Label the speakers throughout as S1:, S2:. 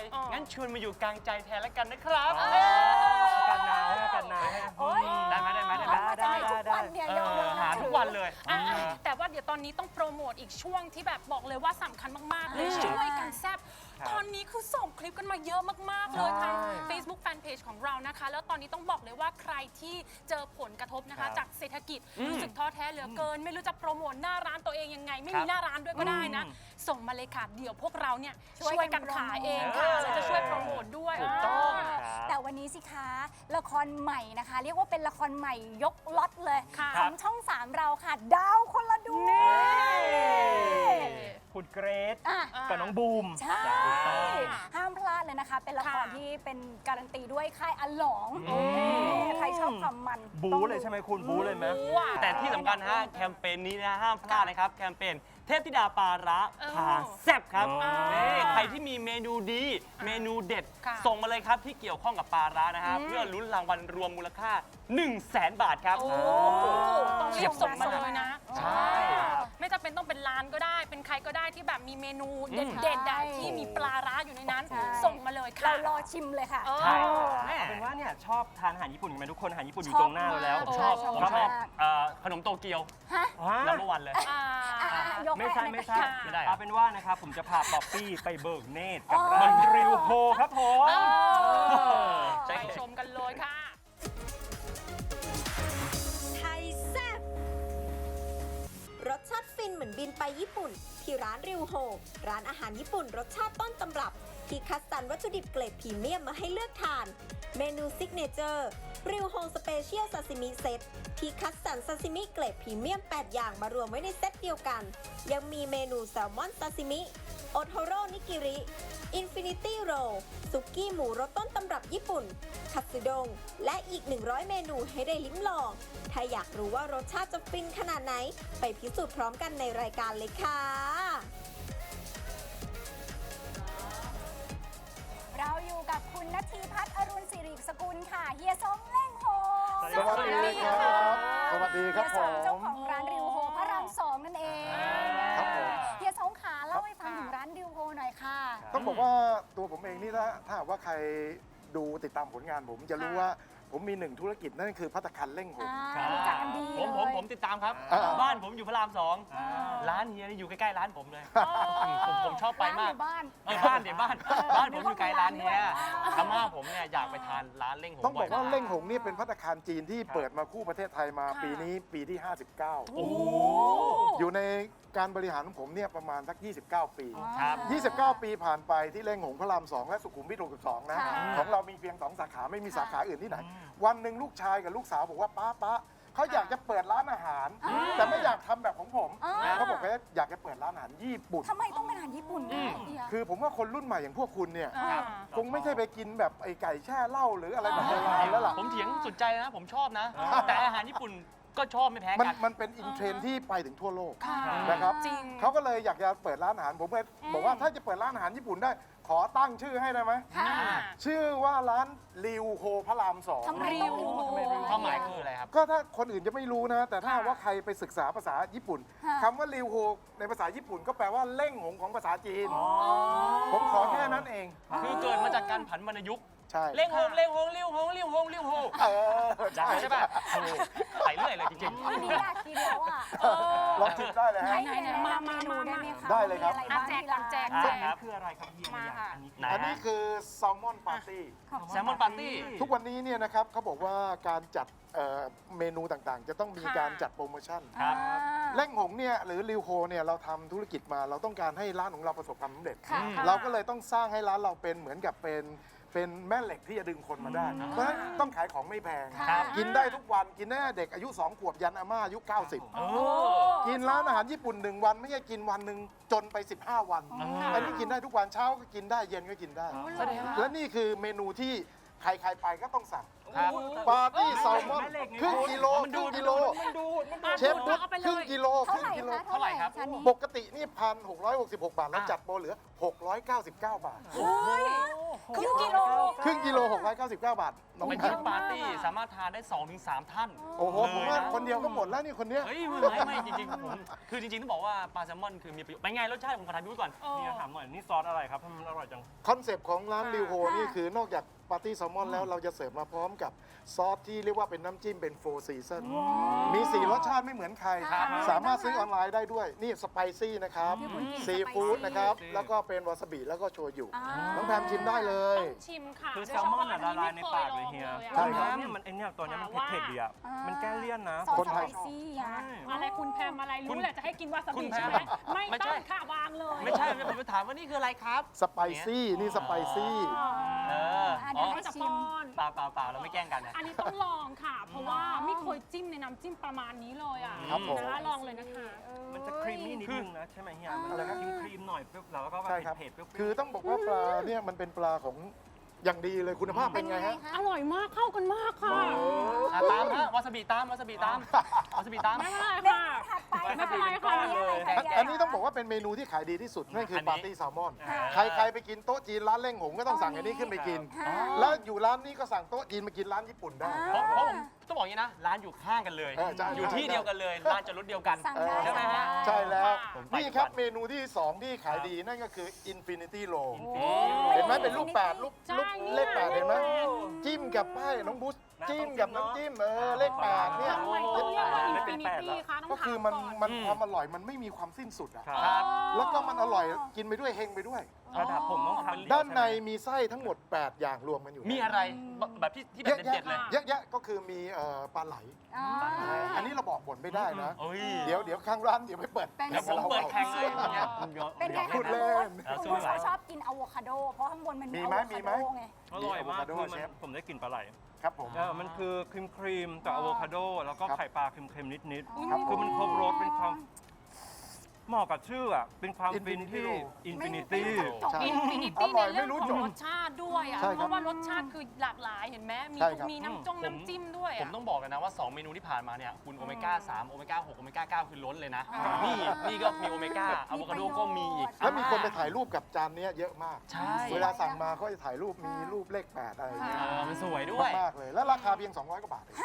S1: งั้นชวนมาอยู่กลางใจแทนแล้วกันนะครับ
S2: อากาศหนาว
S1: ได้ไหม
S3: ได้ทุกวันเนี่ยยอมเลย
S1: หาทุกวันเลย
S4: แต่ว่าเดี๋ยวตอนนี้ต้องโปรโมทอีกช่วงที่แบบบอกเลยว่าสำคัญมากๆเลยช่วยกันแซ่บตอนนี้คือส่งคลิปกันมาเยอะมากๆเลยทาง Facebook Fanpage ของเรานะคะแล้วตอนนี้ต้องบอกเลยว่าใครที่เจอผลกระทบนะคะจากเศรษฐกิจรู้สึกท้อแท้เหลือเกินไม่รู้จะโปรโมทหน้าร้านตัวเองยังไงไม่มีหน้าร้านด้วยก็ได้นะส่งมาเลยค่ะเดี๋ยวพวกเราเนี่ยช่วยกันขายเองค่ะเราจะช่วยโปรโมทด้วย
S1: ถูกต้อง
S3: แต่วันนี้สิคะละครใหม่นะคะ เรียกว่าเป็นละครใหม่ยกล็อตเลย
S4: ค่ะ
S3: ของช่อง 3 เราค่ะ ดาวคนละดวง
S2: คุณเกรซ
S3: อ่ะ
S2: กับน้องบูม
S3: ใช่ ห้ามพลาดเลยนะคะ เป็นละครที่เป็นการันตีด้วยค่ายอัลหลองใครชอบความมัน
S2: บู๊เลยใช่ไหมคุณบู๊เลยไหม
S1: แต่ที่สำคัญนะฮะแคมเปญนี้นะห้ามพลาดนะครับแคมเปญเทพธิดาปลาร้าพาแซ่บครับนี่ใครที่มีเมนูดีเมนูเด็ด
S4: ค่ะ
S1: ส่งมาเลยครับที่เกี่ยวข้องกับปลาร้านะฮะเพื่อลุ้นรางวัลรวมมูลค่า 100,000 บาทครับ
S4: โอ้ต้องรีบส่งมาเลยนะ
S1: ใช่
S4: ไม่จำเป็นต้องเป็นร้านก็ได้ เป็นใครก็ได้ที่แบบมีเมนูเด็ดๆอะที่มีปลาร้าอยู่ในนั้น
S3: ใช่
S4: ส่งมาเลยค่ะ
S3: เรารอชิมเลยค่ะ
S1: ใช่
S2: แม่เป็นว่าเนี่ยชอบทานอาหารญี่ปุ่นกันไหมทุกคนอาหารญี่ปุ่นอยู่ตรงหน้าเราแล้ว
S3: ชอบ
S1: ผมชอบขนมโตเกียว
S3: ฮะ
S1: นัมเบอร์วันเลย
S4: อ่า
S3: ยก
S2: ไม่ใช่
S3: ให้
S2: ไม่ใช่
S1: ไม่ได้เหรอ
S2: เอาเป็นว่านะครับผมจะพาป๊อปปี้ไปเบิกเนตรกับ
S3: อ๋อ
S2: ร้านริวโฮครับผม
S1: ใช่
S4: ไปชมกันเลยค่ะ
S5: ไทยแซ่บรสชาติฟินเหมือนบินไปญี่ปุ่น ที่ร้านริวโฮร้านอาหารญี่ปุ่นรสชาติต้นตำรับ ที่คัดสรรวัตถุดิบเกรดพรีเมียมมาให้เลือกทาน เมนูซิกเนเจอร์ริวโฮสเปเชียลซาซิมิเซตที่คัดสรรซาซิมิเกรดพรีเมียม 8 อย่างมารวมไว้ในเซตเดียวกัน ยังมีเมนูแซลมอนซาซิมิโอโทโร่นิกิริอินฟินิตี้โรซุกี้หมูรสต้นตำรับญี่ปุ่นคัตสึดงและอีก 100 เมนูให้ได้ลิ้มลอง ถ้าอยากรู้ว่ารสชาติจะฟินขนาดไหน ไปพิสูจน์พร้อมกันในรายการเลยค่ะ
S3: เราอยู่กับคุณณทีพัฒน์อรุณสิริสกุลค่ะ เฮียสงเล่งโฮ
S2: สวัสดีครับ
S6: สวัสดีครับ
S3: เฮีย
S6: ผ
S3: สง
S6: ม
S3: เจ้าของร้านริวโฮพระราม2นั่นเอง
S6: ครับผม
S3: เฮียสงขาเล่าให้ฟังถึงร้านริวโฮหน่อยค่ะ
S6: ต้องบอกว่าตัวผมเองนี่ถ้าหากว่าใครดูติดตามผลงานผมจะรู้ว่าผมมีหนึ่งธุรกิจนั่นคือภัตตาคารเล่งหง
S3: รู้จักกันดี
S1: ผมติดตามครับ บ้านผมอยู่พระราม 2 ร้านเฮียนี่อยู่ใกล้ๆร้านผมเลย ผมชอบไปมาก
S3: บ้าน
S1: บ้านเดี๋ยวบ้านผมอยู่ไกลร้านเฮียอาม่าผมเนี่ยอยากไปทานร้านเล่งหง
S6: ต้องบอกว่า
S1: บ่ย
S6: เล่งหงนี่เป็นภัตตาคารจีนที่เปิดมาคู่ประเทศไทยมาปีนี้ปีที่ 59
S1: โอ้โห
S6: อยู่ในการบริหารของผมเนี่ยประมาณสัก 29 ปี
S1: ครับ
S6: 29 ปีผ่านไปที่เล่งหงพระราม 2 และสุขุมวิท 62 นะ
S3: ค่ะ
S6: ของเรามีเพียง 2 สาขาไม่มีสาขาอื่นที่ไหน วันหนึ่งลูกชายกับลูกสาวบอกว่าป้าเขาอยากจะเปิดร้านอาหาร แต่ไม่อยากทำแบบของผมเขาบอกว่าอยากจะเปิดร้านอาหารญี่ปุ่น
S3: ทำไมต้องเป็นอาหารญี่ปุ่นด้วยเฮีย
S6: คือผมว่าคนรุ่นใหม่อย่างพวกคุณเนี่ย
S4: อ่า
S6: คงไม่ใช่ไปกินแบบไอ้ไก่แช่เหล้าหรืออะไรแบบโบราณแล้วล่ะ
S1: ผมเถียงสุดใจนะ ผมชอบนะ แต่อาหารญี่ปุ่นก็ชอบไม่แพ้
S6: มัน
S1: กัน
S6: มันเป็นอินเทรนด์ที่ไปถึงทั่วโลก
S4: ค่ะ
S6: นะครับ
S4: จริง
S6: เขาก็เลยอยากจะเปิดร้านอาหาร ผมก็บอกว่าถ้าจะเปิดร้านอาหารญี่ปุ่นได้ ขอตั้งชื่อให้ได้ไหม
S4: ค่ะ
S6: ชื่อว่าร้านริวโฮพระรามสอง
S3: ทำไมต้องริวโฮ
S1: ความหมายคืออะไรครับ
S6: ก็ถ้าคนอื่นจะไม่รู้นะ แต่ถ้าว่าใครไปศึกษาภาษาญี่ปุ่น
S3: ค่ะ
S6: คำว่าริวโฮในภาษาญี่ปุ่นก็แปลว่าเล่งหงของภาษาจีน ผมขอแค่นั้นเอง
S1: คือเกิดมาจากการผันวรรณยุกต์
S6: ใช่
S1: เล่งหงเล่งหงเลี้ยวหงเลี้ยวหงเลี้ยวหง
S6: เออ
S1: ใช่ป่ะโอ้โหไปเรื่อยเลยจริง
S3: วันนี้อยากกินแล้วอ่ะ
S6: ลองชิมได้เลยฮะ
S3: ให้เฮียแนะนำเมนูได้ไหมคะ
S6: ได้เลยครับ
S3: มีอะไรบ้างที่ร้าน
S4: แจก
S2: อันนี้คืออะไรครับเฮีย
S4: มาค่ะ
S2: อันนี้คือ
S1: ไหน
S6: อันนี้คือแซลมอนปาร์ตี้
S1: ๆแซลมอนปาร์ตี้
S6: ทุกวันนี้เนี่ยนะครับเขาบอกว่าการจัดเมนูต่างๆ จะต้องมีการจัดโปรโมชั่น
S1: ครับ
S6: เล่งหงเนี่ยหรือริวโฮเนี่ยเราทำธุรกิจมาเราต้องการให้ร้านของเราประสบความสำเร็จ
S3: ค่ะ
S6: เราก็เลยต้องสร้างให้ร้านเราเป็นเหมือนกับเป็นแม่เหล็กที่จะดึงคนมาได้ เพราะฉะนั้นต้องขายของไม่แพง
S1: ครับ
S6: กินได้ทุกวันกินได้เด็กอายุ 2 ขวบยันอาม่าอายุ 90
S1: โอ้
S6: กินร้านอาหารญี่ปุ่น 1 วันไม่ใช่กินวันหนึ่งจนไป 15 วัน อันนี้กินได้ทุกวันเช้าก็กินได้เย็นก็กินได้
S1: แสดงว่า
S6: และนี่คือเมนูที่ใครๆไปก็ต้องสั่ง
S1: ครับ
S6: ปาร์ตี้แซลมอนครึ่งกิโลครึ่งกิโล เชฟพุทธ
S4: เอาไปเลย
S6: ครึ่งกิโล
S3: เท่า
S6: ครึ่
S3: ไห
S6: ง
S3: ร่
S6: กิโล
S3: คะเท่าไหร่
S1: เท่าไหร่ครับ
S3: จานนี้
S6: ปกตินี่1,666 บาท แล้วจัดโปรเหลือ 699 บาท
S3: เฮ้ยครึ่งกิโล
S6: ครึ่งกิโล699 บาทน้อง
S1: ไป
S6: แพ
S1: เที่ย
S6: ม
S1: วปาร์ตี้สามารถทานได้ 2-3 ท่าน
S6: โอ้โหผมว่าคนเดียวก็หมดแล้วนี่คนเนี้ย
S1: เฮ้ยไม่จริงๆผมคือจริงๆต้องบอกว่าปลาแซลมอนคือมีประโยชน์เป็นไงรสชาติผมขอถามพี่วุ้ยก่อน
S2: เนี่ยถามหน่อยนี่ซอสอะไรครับทำไมมันอร่อยจัง
S6: คอนเซปต์ของร้านริวโฮนี่คือนอกจากปาร์ตี้แซลมอนแล้วเราจะเสิร์ฟมาพร้อมกับซอสที่เรียกว่าเป็นน้ำจิ้มเป็นโฟร์ซีซันมี 4 รสชาติไม่เหมือนใคร
S3: ครับ
S6: สามารถซื้อออนไลน์ได้ด้วย นี่สไปซี่นะครับซีฟู้ดนะครับ แล้วก็เป็นวาซาบิแล้วก็โชยุน้องแพมชิมได้เลย
S4: ต้องชิมค่ะ
S2: คือแซลมอนอะละลายในปากเลยเฮีย
S6: ใช่ครับ
S2: เนี่ยมันไอเนี่ยตัวเนี้ยมันเผ็ดๆดีอ่ะ มันแก้เลี่ยนนะ
S3: ซอส
S6: คน
S3: ส
S6: ไท
S3: ไป
S6: ย
S3: ซี่อะ
S4: อะไรคุณแพมอะไร
S1: คุ
S4: รู้
S1: ณ
S4: แหละจะให้กินวาซา
S1: คุ
S4: บิ
S1: ณแพม
S4: ใช่ไหมไม่
S1: ไม่
S4: ต้
S1: ใช่
S4: องค่ะวางเลย
S1: ไม่ใช่ผมไปถามว่านี่คืออะไรครับ
S6: สไปซี่นี่สไปซี่
S1: เออ
S3: เดี๋
S1: อ๋
S3: ยว
S1: อ
S3: ให้
S4: จะ
S3: ชิ
S4: ป้
S3: ม
S4: อน
S1: เปล่าเราไม่แกล้งกันนะ
S4: อันนี้ต้องลองค่ะ เพราะว่าไม่เคยจิ้มในน้ำจิ้มประมาณนี้เลยอ่ะ
S6: ครับผม
S4: นะคะลองเลยนะคะ
S2: มันจะครีมมี่นิดนึงนะใช่ไหมเฮีย มัน
S6: อะไรครับ
S2: ครีมๆหน่อยเปรี้ยวแล้วก็แบบ
S6: ใช่ครับ
S2: เผ็ดๆเปรี้ยวๆ
S6: คือต้องบอกว่าปลาเนี่ยมันเป็นปลาของอย่างดีเลยคุณภาพเป็นไงฮะ
S4: อร่อยมากเข้ากันมากค่ะ
S1: ตามฮะวาซาบิตามวาซาบิตามวาซาบิตาม
S4: ไม่เป็นไร
S3: เม
S4: ค่ะ
S3: นูถัดไป
S4: ไม่เป็นไรค่ะ
S3: อันนี้อะไรคะ
S6: อันนี้ต้องบอกว่าเป็นเมนูที่ขายดีที่สุดนั่นคือ
S1: อันนี้
S6: ปาร์ตี้แซลมอน
S3: ค่ะ
S6: ใครไปกินโต๊ะจีนร้านเล่งหงก็ต้องสั่งอันนี้ขึ้นไปกิน
S3: ค่ะ
S6: แล้วอยู่ร้านนี้ก็สั่งโต๊ะจีนมากินร้านญี่ปุ่นได้
S1: เพราะผมต้องบอกอย่างนี้นะ ร้านอยู่ข้างกันเลย
S6: เออใช่
S1: อยู่ที่เดียวกันเลย ร้านจอดรถเดียวกัน
S3: สั่งได้
S1: ใช่ไหมฮะ
S6: ใช่แล้ว
S1: ผมไป
S6: นี่ครับ
S1: ทุกวัน
S6: เมนูที่ 2 ที่ขายดีนั่นก็คือ Infinity Roll
S3: โอ้
S6: เห็นไหมเป็นลูก 8 ลูก
S4: ใช่
S6: เลข 8 เห็นไหม
S4: เนี่ย
S6: จิ้มกับไพ่น้องบุ๊ชจิ้มกับน้ำจิ้มเลข 8 เนี่ย
S4: ทำไมต้องเรียกว่าอินฟินิตี้คะต้อง
S6: ก็
S4: ถาม
S6: คือมัน
S4: ก่อน
S6: มันความอร่อยมันไม่มีความสิ้นสุดอะ
S2: ครับ
S6: แล้วก็มันอร่อยกินไปด้วยเฮงไปด้วย
S2: ระดับผมต้องทำ
S6: ด้านในมีไส้ทั้งหมด 8 อย่างรวมกันอยู่
S1: มีอะไรแบบที่แบบเด็ดๆเลย
S6: เยอะแยะก็คือมีปลาไหล
S3: อ๋อ
S6: อันนี้เราบอกบนไม่ได้นะ
S1: โอ้ย
S6: เดี๋ยวข้างร้านเดี๋ยวไปเปิด
S3: เป็น
S1: เดี๋ยวผมเปิดแข่งเลยอย่างเงี้ย
S3: เป็นไง
S6: พู
S3: คะ
S6: ดเล่น
S3: คุณโบ๊ทชอบกินอะโวคาโด เพราะข้างบนมันมี
S6: มี
S3: อะ
S6: ไหม
S3: โว
S6: มี
S3: คา
S6: ไหม
S3: โดไง
S2: อร่อยมาก
S6: อะโวคาโด
S2: คือ
S6: เชฟ
S2: ผมได้กลิ่นปลาไหล
S6: ครับผม
S2: มันคือครีมๆกับอะโวคาโด แล้วก็
S6: ครับ
S2: ไข่ปลาเค็มๆนิด
S6: ครับ
S2: ๆ คือมันครบรสเป็นความเหมาะกับชื่ออ่ะ เป็นความฟิน
S6: Infinity
S2: ที่
S6: Roll
S2: อินฟินิตี้
S6: ใช่
S4: อินฟินิ
S6: อ
S4: ตี้
S6: ร่
S4: ใน
S6: อย
S4: เรื่อง
S6: ไม่รู้
S4: ข
S6: จ
S4: อบ งรสชาติด้วยอ่ะ
S6: ใช่ครับ
S4: เพราะว่ารสชาติคือหลากหลายเห็นไหมมี
S6: ใช่ครับ
S4: มีน้ำจิ้มด้วย
S1: ผม
S4: อ่ะ
S1: ต้องบอกกันนะว่า 2 เมนูที่ผ่านมาเนี่ย คุณโอเมก้า 3 โอเมก้า 6 โอเมก้า 9 คือล้นเลยนะ นี่ก็มีโอเมก้าอะโวคาโดก็มีอีก
S6: แล้วมีคนไปถ่ายรูปกับจานเนี้ยเยอะมาก
S1: ใช่
S6: เวลาสั่งมาเขาจะถ่ายรูปมีรูปเลข 8 อะไรอย่างเงี้ย
S1: มันสวยด้วย
S6: มากเลย แล้วราคาเพียง 200 กว่าบาทเอง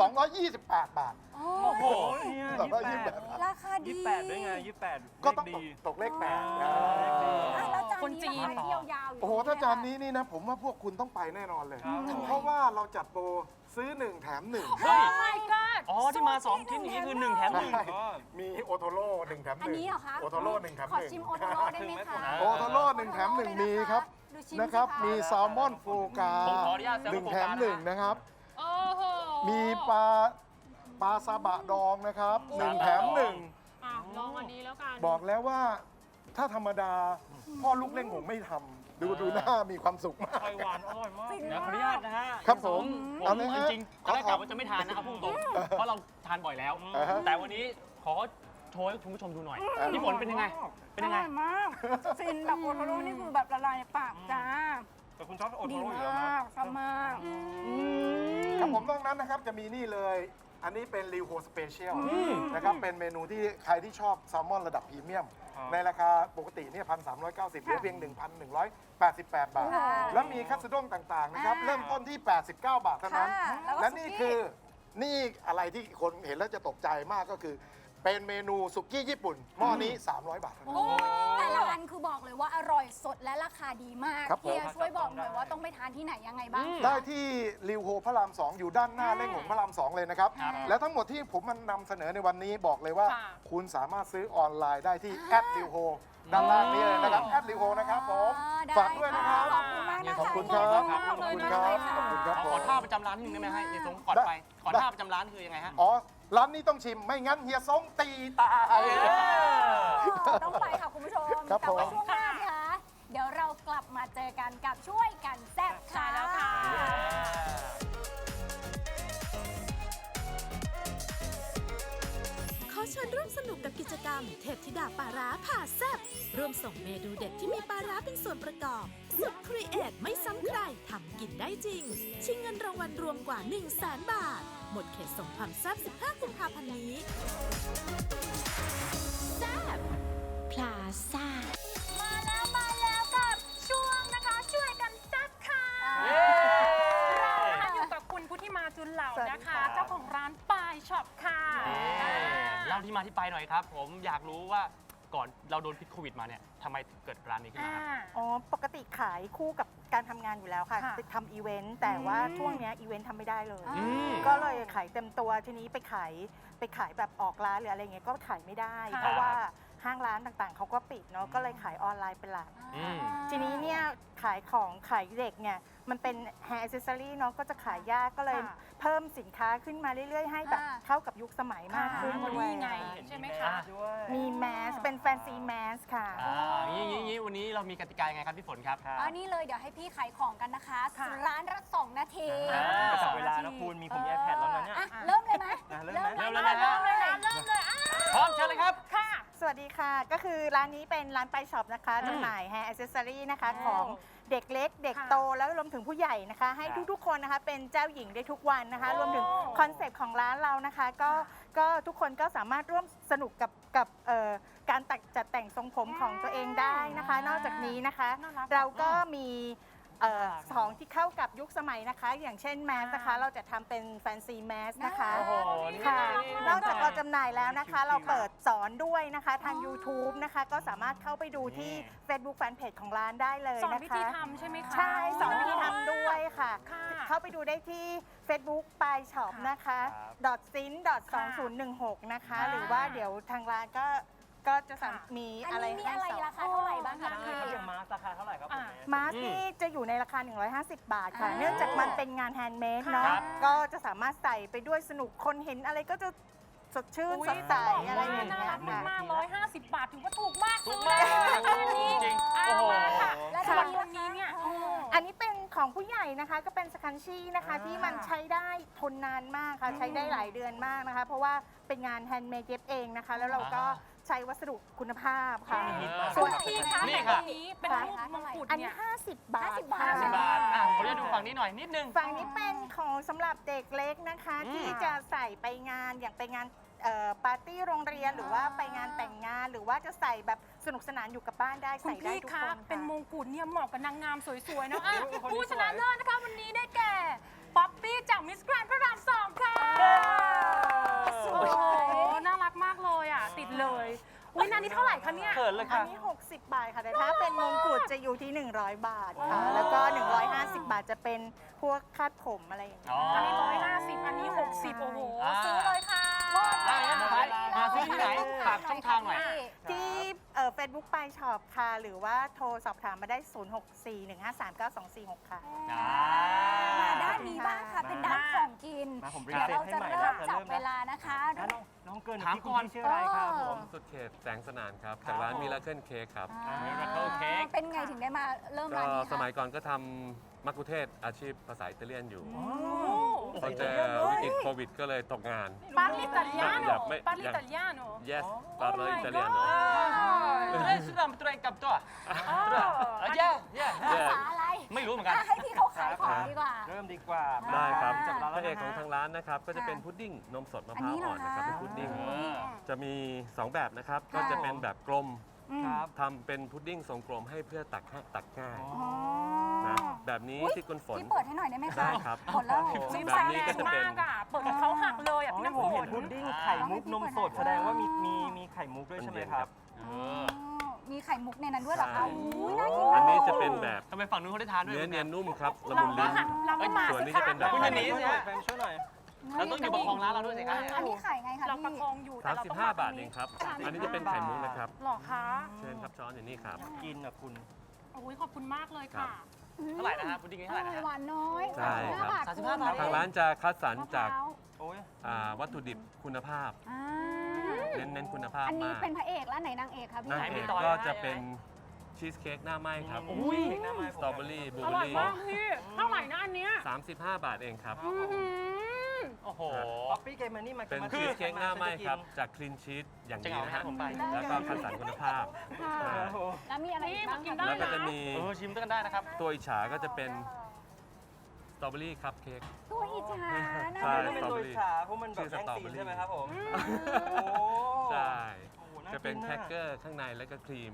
S6: 228 บาท
S3: โอ้
S2: โอ้โหเนี่ย
S6: แบบว่า
S2: 28
S3: ราคาดี
S2: 28ด้วยไง28
S6: ก็ต้อง
S2: เลขดี
S6: ตกเลข 8
S3: แล้วจาน
S4: คนจี
S3: นี้
S4: น
S3: ราคาเที่ยวยาวอยู่
S6: โอ้โห ถ้าจานนี้นี่นะ ผมว่าพวกคุณต้องไปแน่นอนเลย เพราะว่าเราจัดโปรซื้อ 1 แถม 1
S1: เฮ้ย
S4: my god
S1: อ๋อ ที่มา 2 ชิ้นอย่างนี้คือ 1 แถม 1
S6: ใช่มีโอโทโร่1แถม 1
S3: อันนี้เหรอคะ
S6: โอโทโร่1แถม
S3: ขอชิมโอโทโร่ได้ไหมคะ
S6: 1โอโทโร่1แถม 1 มีครับ
S3: ดูชิม
S6: นะครับ
S3: สิ
S6: มีแซลมอนโฟกา
S1: ผมขออนุญาตแซลมอน
S6: 1แถม
S1: โฟกานะ
S6: 1 นะครับ
S4: โอ้โห
S6: มีปลาซาบะดองนะครับ 1 แถม
S4: อ่ะลองอันนี้แล้วกัน
S6: 1 บอกแล้วว่าถ้าธรรมดา พ่อลูกเล่งผมไม่ทำดูหน้ามีความสุขมาก
S2: ไข่หวานอร่อยมาก
S3: ฟิน
S1: เดี๋ยวขออนุ
S3: มา
S1: ญาก ตนะฮะ
S6: ครับผม
S1: ผ
S6: เอา
S1: ม
S6: เลย
S1: จ
S6: ฮะ
S1: ริงๆตอนแรกกะว่าจะไม่ทานนะเอาพูดตรงๆเพราะเราทานบ่อยแล้ว
S6: อ่าฮะ
S1: แต่วันนี้ขอโชว์ให้คุณผู้ชมดูหน่อย พี่ฝนเป็นยังไง เป็นยังไง
S3: อร่อยมาก ฟินแบบโอโทโร่นี่คือแบบละลายในปากจ้า
S2: แต่คุณชอบโอโท
S3: ดี
S2: โร่อยู่แล้ว
S3: มา
S2: นะ
S3: กชอบมาก
S6: ครับผมนอกนั้นนะครับจะมีนี่เลย อันนี้เป็นริวโฮสเปเชียลนะครับ เป็นเมนูที่ใครที่ชอบแซลมอนระดับพรีเมียม
S2: ครับ
S6: ในราคาปกติเนี่ย1,390เหลือเพียง 1,188 บาท แล้วมีคัตสึด้งต่างๆนะครับ เริ่มต้นที่ 89 บาทเท่านั้น
S3: ค่ะแล้วก็
S6: และนี่
S3: สุกี้
S6: คือนี่อะไรที่คนเห็นแล้วจะตกใจมากก็คือ เป็นเมนูสุกี้ญี่ปุ่นหม้อนี้ 300 บาทเท่านั้น
S3: โอ้ยแต่ละอันคือบอกเลยว่าอร่อยสดและราคาดีมาก
S6: ครับผม
S3: เฮียช่วยบอกหน่อยว่าต้องไปทานที่ไหนยังไงบ้างคะ
S6: ได้ที่ริวโฮพระราม 2 อยู่ด้านหน้าเล่งหงพระราม 2 เลยนะครับ และทั้งหมดที่ผมมันนำเสนอในวันนี้บอกเลยว่า
S4: ค่ะ
S6: คุณสามารถซื้อออนไลน์ได้ที่แอดริวโฮด้านล่างนี้เลยนะครับแอดริวโฮนะครับผม
S3: ได้
S6: ฝากด้วยนะครับ
S3: ขอบคุณมากนะคะ
S6: ขอบคุณครับ
S3: ขอบ
S6: ขอบ
S3: คุ
S6: คุณ ณ
S3: มาก
S6: ค
S3: เล
S6: รั
S3: ย
S6: บ
S3: ค่ะ
S6: ขอบคุณครับ
S1: ข
S6: ผ
S1: อ
S6: ม
S1: ท่าประจำร้านนิดนึงได้ไหมฮะเฮียสงก่อนไป ขอท่าประจำร้านคือยังไงฮะ
S6: อ๋อ ร้านนี้ต้องชิมไม่งั้นเฮียซงตีตาย
S3: ต้องไปค่ะคุณผู้ชม
S6: ครับ
S3: แต่ว่า
S6: ผม
S3: ช่วงหน้านะคะเดี๋ยวเรากลับมาเจอกันกับช่วยกันแซ่บ
S4: ใช่แล้วค่ะ
S7: ขอเชิญร่วมสนุกกับกิจกรรมเทพธิดาปลาร้าผ่าแซ่บร่วมส่งเมนูเด็ดที่มีปลาร้าเป็นส่วนประกอบ สุดครีเอทไม่ซ้ำใครทำกินได้จริง ชิงเงินรางวัลรวมกว่า 100,000 บาท หมดเขตส่งความแซ่บ 15 กุมภาพันธ์นี้แซ่บพลาซ่า
S3: มาแล้วกับช่วงนะคะช่วยกันแซ่บ
S4: Shop ค่ะ
S1: เล่าที่มาที่ไปหน่อยครับ ผมอยากรู้ว่าก่อนเราโดนพิษโควิดมาเนี่ยทำไมถึงเกิดร้านนี้ขึ้นมาครับ
S8: อ๋อ ปกติขายคู่กับการทำงานอยู่แล้วค่ะ
S4: ค่ะ
S8: ทำอีเวนต์ แต่ว่าช่วงเนี้ยอีเวนต์ทำไม่ได้เลย
S1: อืม
S8: ก็เลยขายเต็มตัว ทีนี้ไปขายแบบออกร้านหรืออะไรเงี้ยก็ขายไม่ได้ เพราะว่าห้างร้านต่างๆเขาก็ปิดเนาะ ก็เลยขายออนไลน์เป็นหลัก
S1: อืม
S8: ทีนี้เนี่ยขายของขายเด็กเนี่ยมันเป็น hair accessory เนาะก็จะขายยากก็เลย
S4: ค่ะ
S8: เพิ่มสินค้าขึ้นมาเรื่อยๆ ให้แบบเข้ากับยุคสมัยมากขึ้น
S4: ค่ะ
S8: ด้วย
S4: นี่ไง ใช่ไหมคะ
S8: มีแมสเป็นแฟนซีแมสค่ะ
S1: งี้วันนี้เรามีกติกายังไงครับพี่ฝนครับ
S3: อันนี้เลยเดี๋ยวให้พี่ขายของกันนะคะ
S4: ค่ะ
S3: ร้านละ2 นาที
S2: ก็จับเวลานะคุณมีผม iPad แล้วนะเนี่ย
S3: อ่ะเริ่มเลยไหม
S2: เริ่มไหม
S1: เริ่มเลยนะ
S4: เริ่มเลยนะเริ่มเลยอ่ะ
S1: พร้อมเชิญเลยครับ
S4: ค่ะ
S8: สวัสดีค่ะ ก็คือร้านนี้เป็นร้านไปช็อปนะคะจำหน่าย hair accessory นะคะ
S4: โอ้
S8: ของเด็กเล็ก เด็ก
S4: ค่ะ
S8: โตแล้วรวมถึงผู้ใหญ่นะคะ ให้
S2: ครับ
S8: ทุกๆคนนะคะเป็นเจ้าหญิงได้ทุกวันนะคะ
S4: โอ้
S8: รวมถึงคอนเซปต์ของร้านเรานะคะ ก็ทุกคนก็สามารถร่วมสนุกกับการจัดแต่งทรงผมของตัวเองได้นะคะ นอกจากนี้นะคะ
S4: น่ารัก
S8: เราก็มีของที่เข้ากับยุคสมัยนะคะ อย่างเช่นแมสนะคะ เราจะทำเป็นแฟนซีแมสนะคะ
S1: โอ้โหนี่
S8: ค่ะ
S1: นี่
S8: นอกจากเราจำหน่ายแล้วนะคะ เราเปิดสอนด้วยนะคะทาง YouTube นะคะ ก็สามารถเข้าไปดูที่ Facebook Fanpage ของร้านได้เลย
S4: สอน
S8: นะคะ
S4: วิธีทำใช่ไหมคะ
S8: ใช่สอนวิธีทำด้วยค่ะ
S4: ค่ะ
S8: เข้าไปดูได้ที่ Facebook ปลายช็อปนะคะ sin 2016 นะคะ
S4: ค่ะ
S8: หรือว่าเดี๋ยวทางร้านก็จะมี
S3: อัน
S8: อะไร
S3: นี้มี
S8: ให้
S3: อะไร
S8: สอน
S3: ราคาเท่าไหร่บ้างคะ
S4: โอ้
S3: พี่
S2: แล้วอย่างมาสราคาเท่าไหร่ครับผม
S8: มาสนี่จะอยู่ในราคา 150 บาทค่ะ เนื่องจากมันเป็นงานแฮนด์เมดเนาะ
S1: ครับ
S8: ก็จะสามารถใส่ไปด้วยสนุกคนเห็นอะไรก็จะสดชื่น
S4: อุ๊ย
S8: สดใส
S4: ต้องบก
S8: อะไร
S4: ว่า
S8: อย่าง
S4: น่า
S8: เงี้ย
S4: รัก
S8: ค่ะ
S4: มากๆ150 บาทถือว่าถูกมาก
S1: ถู
S4: ซื้
S1: ก
S4: อ
S1: มาก
S4: เลยราคานี้
S1: จริง
S4: อ่ะ
S1: โอ้โห
S4: มาค่ะ
S3: และ
S4: ส่วน
S3: ที
S4: วันนี้เนี่ย
S8: อันนี้เป็นของผู้ใหญ่นะคะก็เป็นสคันชี่นะคะที่มันใช้ได้ทนนานมากค่ะใช้ได้หลายเดือนมากนะคะ เพราะว่าเป็นงานแฮนด์เมดเย็บเองนะคะ แล้วเราก็ใช้วัสดุคุณภาพค่ะ
S4: ส่วนพี่คะ
S1: นี่
S4: แต่
S1: ค่ะ
S4: วันนี้เป็นรูปมงกุฎ
S8: อันนี้
S4: เนี่ย
S8: 50 บาท
S3: 50 บาท
S8: ค่ะ
S1: 10 บาทผมจะดูฝั่งนี้หน่อยนิดนึง
S8: ฝั่งนี้เป็นของสำหรับเด็กเล็กนะคะ ที่จะใส่ไปงานอย่างไปงานปาร์ตี้โรงเรียนหรือว่าไปงานแต่งงาน หรือว่าจะใส่แบบสนุกสนานอยู่กับบ้านได้
S4: คุณ
S8: ใส่ได้
S4: พี่
S8: ทุก
S4: คะ
S8: คน
S4: เป็นม
S8: ค่ะ
S4: งกุฎเนี่ยเหมาะกับนางงามสวยๆนะอ่ะ
S2: คนนี้
S4: ผู้ชนะ
S2: สวย
S4: เลิศนะคะวันนี้ได้แก่ป๊อปปี้จากมิสแกรนด์พระราม2ค่ะโอ้โหน่ารักมากเลยอ่ะติดเลยอุ้ยนานนี้เท่าไหร่คะเนี่ย
S1: เขินเลย
S8: อั
S1: ค่ะ
S8: นนี้ 60 บาทค่ะ แต่ถ้าเป็นมงกุฎจะอยู่ที่ 100 บาทค่ะ แล้วก็ 150 บาทจะเป็นพวกคาดผมอะไรอย่างเงี้ย
S1: อ๋อ
S4: อันนี้150อันนี้60โอ้โห
S1: อ่า
S4: ซื้อเลยค่ะ
S1: ได้งั้นสุดท้ายหาซื้อที่ไหนฝากช่องทางหน่อย
S8: ที่เฟซบุ๊กปลายช็อปค่ะ หรือว่าโทรสอบถามมาได้ 0641539246 ค่ะ
S3: มาด้านนี้บ้างค่ะ เป็นด้านของกิน
S2: มาผมรี
S3: เดี๋ยว
S2: เซ็ต
S3: เรา
S2: ให้
S3: จะ
S2: ใหม่
S3: เริ่มจับ
S2: นะ
S3: เวลานะคะ
S2: น้องเกิน
S1: ถามก่อน
S2: พี่ชื่ออะไรครับผม
S9: สุดเขตแสงสนานครับ จากร้านมิราเคิลเค้กครับ
S1: Miracle Cake
S3: เป็นไงถึงได้มาเริ่ม
S9: ก็
S3: ร้านนี้
S9: สมั
S3: คะ
S9: ยก่อนก็ทำมักคุเทศก์อาชีพภาษาอิตาเลียนอยู่
S4: โอ้
S9: พอเจอวิกฤตโควิดก็เลยตกงาน
S4: Parli italiano
S9: อยากไม่
S4: Parli italiano
S9: yes
S4: Oh
S9: parlo
S4: my
S9: italiano
S1: sudah betul yang kapto aja ya
S3: ภาษาอะไร
S1: ไม่รู้เหมือนกัน
S3: อ่ะให้พี่เขาขายของดีกว่า
S2: เริ่มดีกว่า
S9: ได้ครับ
S2: จับเวลา
S9: พ
S2: แล้ว
S9: ระเอกของ
S2: นะ
S9: ทางร้านนะครับ ก็จะเป็น
S3: ค่ะ
S9: พุดดิ้งนมสดมะ
S3: อัน
S9: พร้าว
S3: นี้เหร
S9: อ่
S3: อ
S9: อนนะครับ
S3: คะ
S9: เป็นพุดดิ้ง
S1: เออ
S9: จะมี 2 แบบนะครับ ก็จะเป็นแบบกลม
S2: ครับ
S9: ทำเป็นพุดดิ้งทรงกลมให้เพื่อตักง่าย
S2: อ๋อ
S3: อ๋อ
S9: นะแบบนี้
S3: อุ๊ย
S9: ที่คุณฝน
S3: พี่เปิดให้หน่อยได้ไหมคะ
S9: ได้ครับ
S3: ผลแล้ว
S4: ซิม
S9: แบบ
S4: ซ่า
S9: นี้
S4: แร
S9: ก็
S4: ง
S9: จะเป็น
S4: มากอ่ะเปิดกับเขาหักเลยอ่ะ
S2: อ๋อ
S4: พี่น้ำ
S2: ผม
S4: ฝ
S2: เห็
S4: น
S2: นพุดดิ้งไข่มุกนมสดแสดงว่ามีไข่มุกด้วยใช่ไหมครับ
S3: อ๋อมีไข่มุกในนั้นด้วยเหรอคะ
S9: ใช่
S3: อุ้ยน่ากิน
S9: อั
S3: มาน ก
S9: นี้จะเป็นแบบ
S1: ทำไมฝั่งนู้นเขาได้ทานด้วย
S9: เนื้อเนียนนุ่มครับละ
S4: เรา
S9: มุน
S4: ก็
S9: ลิ้น
S4: หักเราก็มา
S9: ส่วน
S4: สิ
S9: นี้
S4: คะ
S9: จะเป็นแบบ
S1: คุณอย่าหนี
S2: ช่วยหน่อยแฟมช่วยหน่อย
S1: เราต้องอยู่ประคองร้านเราด้วยสิครับ
S3: อันนี้ขายไงคะ
S4: เราประ
S3: พี่
S4: คองอยู่แต่เราต้อง
S9: 35 บาทเองครับ อันนี้จะเป็นไข่มุกนะครับ
S4: หรอคะ
S9: เชิญครับช้อนอยู่นี่ครับ
S2: กินอ่ะคุณ
S4: โอ้ยขอบคุณมากเลยค่ะ
S1: เท่าไหร่นะฮะพุดดิ้งนี่
S3: อ
S1: เท่าไหร่
S3: ร่
S1: นะ
S3: อย
S1: ฮะ
S3: หวานน้อย
S9: ใช่ครับ
S3: 35
S1: บาท
S9: ทางร้านจะคัดสรรจาก
S2: โอ้ย
S9: วัตถุดิบคุณภาพ
S3: อ่า
S9: เน้นคุณภาพ
S3: อันนี้
S9: มาก
S3: เป็นพระเอกแล้วไหนนางเอกคะพี่
S9: นางเอกก็จะเป็นชีสเค้กหน้าไหม้ครับ
S2: อุ้ยหน้าไม้
S9: สตรอเบอรี่บลู
S4: อ
S9: เบอ
S4: ร่อย
S9: รี่
S4: มากพี่เท่าไหร่นะอันเนี้ย
S9: 35 บาทเองครับ
S4: อื้อหือ
S1: โอ้โห
S2: ป๊อปปี้เกมมันนี่มา
S9: เป็นชีสเค้กหน้าไหม้ครับ จากคลีนชีสอย่าง
S1: จะ
S9: ดี
S1: เหงาไหม
S9: นะ
S1: ฮะ
S9: ฮะ
S1: ผมไป
S9: แล้วก็คัดสรรคุณภาพ
S3: ค่ะ
S9: ใช่
S3: แล้วมีอะไรอีกบ้าง
S4: นี่มากิน
S3: คะ
S4: ได้
S9: แล้วก็จะมี
S1: ชิมกันได้นะครับ
S9: ตัวอิจฉาก็จะเป็นสตรอเบอรี่คัพเค้ก
S3: ตัวอิจฉานะ
S9: ใช่
S2: ไม่เป็นตัวอิจฉาเพราะมันแบบแย่งซีนใช่ไหมครับผม โอ้
S9: ใช่
S2: โหน่า
S9: จะเป็น
S2: กิ
S9: แครกเกอร์ข้างในแล้วก็ครีม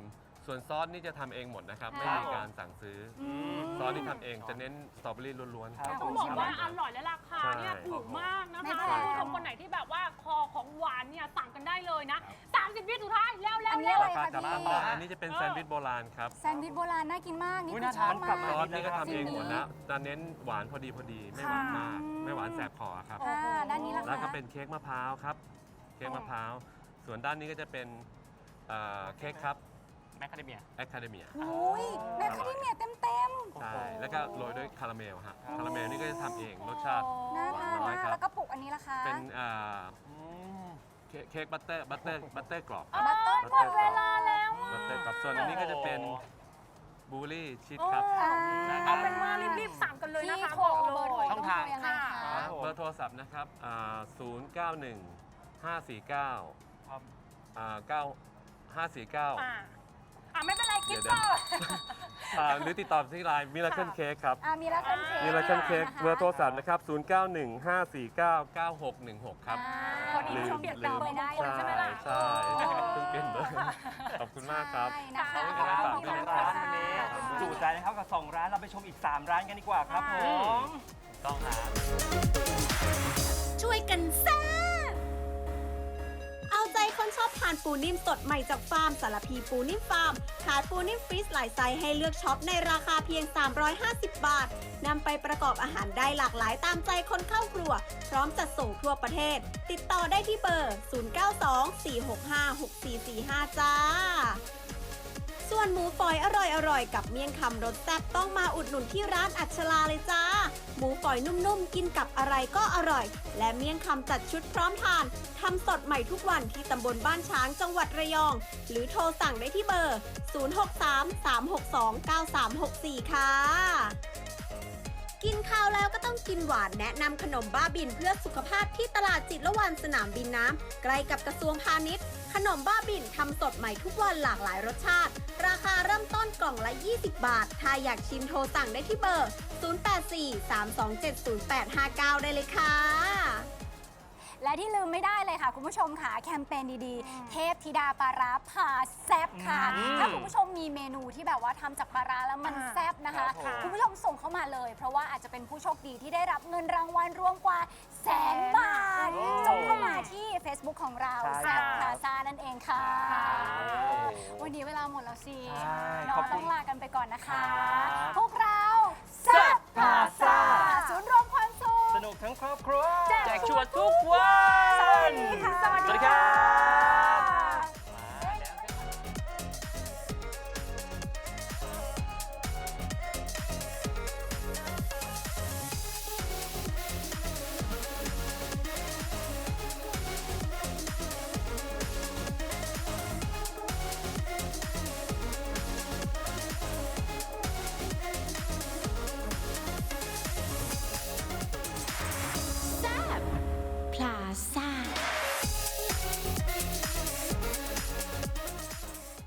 S9: ส่วนซอสนี่จะทำเองหมดนะครับ ไม่มีการสั่งซื้ออซอสที่ทำเองจะเน้นสตรอเบอรี่ล้วนๆครับ
S4: ต้องบอกว่าอร่อยและราคาเนี่ยถูกมากนะคะ
S3: ไม่แพ
S4: คุณ
S3: ง
S4: ผู้ชมคนไหนที่แบบว่าคอของหวานเนี่ยสั่งกันได้เลยนะ30 วิสุดท้ายแล้ว
S3: อันนี้อะไร
S9: ราคา
S3: คะ
S9: จับ
S3: พี่
S9: ต้องได้อันนี้จะเป็นแซนด์วิชโบราณครับ
S3: แซนด์วิชโบราณน่ากินมากนี่
S1: อุ๊ย
S3: คือ
S1: น่า
S3: ชอบ
S1: ทาน
S3: มาก
S1: กลับ
S9: ซอสนี่ก็ทำเองหมด
S3: สิ่งนี้
S9: นะจะเน้นหวานพอดีไม่หวานมาก ไม่หวานแสบคอครับ
S3: ด้านนี้ละ
S9: แล้วก็
S3: คะ
S9: เป็นเค้กมะพร้าวครับ เค้กมะพร้าว ส่วนด้านนี้ก็จะเป็นเค้กครับ
S1: แมคคาเดเมีย
S9: แอคคาเดเมีย
S3: อุ้ยแมคคาเดเมียเต็ม
S9: ใช่ แล้วก็โรยด้วยคาราเมลฮะ คาราเมลนี่ก็จะทำเองรสชาติ
S3: ๆน่า
S9: หวา
S3: ทาน น
S9: น้อย
S3: มาก
S9: ครั
S3: แล้
S9: บ
S3: วก็ปลุกอันนี้ละคะ
S9: เป็นเค้กบัตเตอร์กรอบครับ
S3: บัตเตอร์หมดเวลาแล้ว
S9: บัตเตอร์กรอบ ส่วนอันนี้ก็จะเป็นบลูเบอรี่ชีสครับ
S4: เอาเป็นว่ารีบๆสั่งกันเลย
S3: ที่
S4: นะคะ
S3: โทร
S4: บอก
S3: เบอร์โทร
S4: เลย
S3: ต้องโทรยังไงคะ
S9: เบอร์โทรศัพท์นะครับ091 549
S2: ครับ
S9: 549
S4: ไม่เป็นไรคิด
S9: เดี๋ยว
S4: ต่อ
S9: หรือติดต่อที่ไลน์มิราเคิลเค้กครับ
S3: มีละกันเค้ก
S9: มิราเคิลเค้ก
S3: นะคะ
S9: เบอร์โทรศัพท์นะครับ 0915499616 ครับ
S4: คนนี้ผู้ชมเปลี่ยนเป็นเบอร์มงคลใช่ไหมล่ะ
S9: ใช่เพิ่งเปลี่ยนเบอร์ขอบคุณมากครับ
S3: ใช่นะคะ
S9: ขอบคุณครับ
S3: ขอบคุณ
S2: ร้าน
S3: ค่ะ
S2: วันนี้จุใจนะครับกับ 2 ร้านเราไปชมอีก 3 ร้านกันดีกว่าครับผม
S1: ต้องหา
S5: ช่วยกันแซ่บเอาใจคนชอบทานปูนิ่มสดใหม่จากฟาร์มสารพีปูนิ่มฟาร์มขายปูนิ่มฟรีซหลายไซส์ให้เลือกช็อปในราคาเพียง 350 บาทนำไปประกอบอาหารได้หลากหลายตามใจคนเข้าครัว พร้อมจัดส่งทั่วประเทศ ติดต่อได้ที่เบอร์ 0924656445 จ้า ส่วนหมูฝอยอร่อยๆ กับเมี่ยงคำรสแซ่บต้องมาอุดหนุนที่ร้านอัชลาเลยจ้า หมูฝอยนุ่มๆ กินกับอะไรก็อร่อย และเมี่ยงคำจัดชุดพร้อมทานทำสดใหม่ทุกวันที่ตำบลบ้านช้างจังหวัดระยอง หรือโทรสั่งได้ที่เบอร์ 0633629364 ค่ะ กินข้าวแล้วก็ต้องกินหวานแนะนำขนมบ้าบินเพื่อสุขภาพที่ตลาดจิตรวันสนามบินน้ำใกล้กับกระทรวงพาณิชย์ ขนมบ้าบินทำสดใหม่ทุกวันหลากหลายรสชาติ ราคาเริ่มต้นกล่องละ 20 บาท ถ้าอยากชิมโทรสั่งได้ที่เบอร์ 0843270859 ได้เลยค่ะ
S3: และที่ลืมไม่ได้เลยค่ะ คุณผู้ชมค่ะแคมเปญดีๆ เทพธิดาปลาร้าผ่าแซบค่ะ ถ้าคุณผู้ชมมีเมนูที่แบบว่าทำจากปลาร้าแล้วมันแซบนะคะ คุณผู้ชมส่งเข้ามาเลย เพราะว่าอาจจะเป็นผู้โชคดีที่ได้รับเงินรางวัลรวมกว่า100,000 บาทส่งเข้ามาที่ Facebook ของเรา
S2: ใช่
S3: แซบพาซานั่นเองค่ะ วันนี้เวลาหมดแล้วสิ
S2: ใช่
S3: เนาะ
S2: ขอบคุณ
S3: ต้องลากันไปก่อนนะคะ
S2: ครับ
S3: พวก